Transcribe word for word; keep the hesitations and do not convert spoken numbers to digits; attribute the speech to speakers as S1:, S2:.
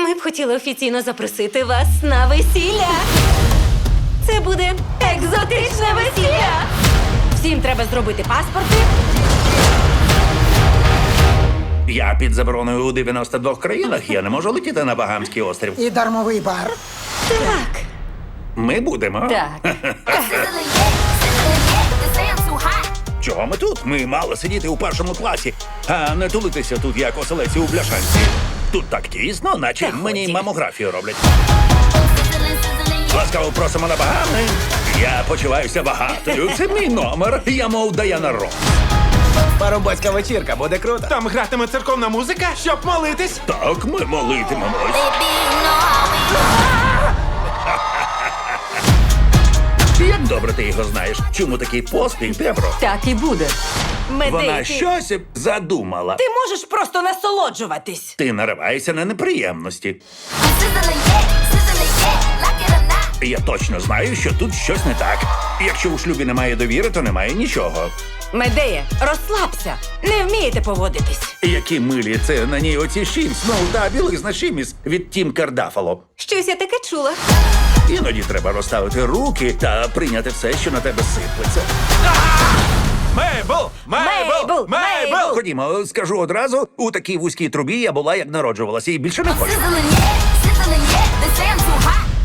S1: Ми б хотіли офіційно запросити вас на весілля. Це буде екзотичне весілля. Всім треба зробити паспорти.
S2: Я під забороною у дев'яноста двох країнах. Я не можу летіти на Багамський острів.
S3: І дармовий бар.
S1: Так.
S2: Ми будемо.
S1: Так.
S2: Чого ми тут? Ми мали сидіти у першому класі, а не тулитися тут, як оселеці у бляшанці. Тут так тісно, наче
S1: Та
S2: мені
S1: ході.
S2: мамографію роблять. Ласкаво просимо на Багами. Я почуваюся багатою. Це мій номер. Я мов Даяна Рос.
S4: Парубоцька вечірка, буде круто.
S5: Там гратиме церковна музика, щоб молитись.
S2: Так, ми молитимемось. Як добре ти його знаєш? Чому такий поспіх, Дебро?
S6: Так і буде.
S2: Вона
S1: Медей, ти...
S2: щось задумала.
S6: Ти можеш просто насолоджуватись.
S2: Ти нариваєшся на неприємності. Я точно знаю, що тут щось не так. Якщо у шлюбі немає довіри, то немає нічого.
S6: Медея, розслабся. Не вмієте поводитись.
S2: Які милі це на ній оці шімс, ну та білизна шіміс від Тім Кардафало.
S1: Щось я таке чула.
S2: Іноді треба розставити руки та прийняти все, що на тебе сиплеться.
S5: Мейбл! Мейбл!
S6: Мейбл!
S5: Мейбл!
S2: Ходімо, скажу одразу, у такій вузькій трубі я була, як народжувалася, і більше не хочу.
S7: Sizzling, yeah, sizzling, yeah. They say I'm too hot.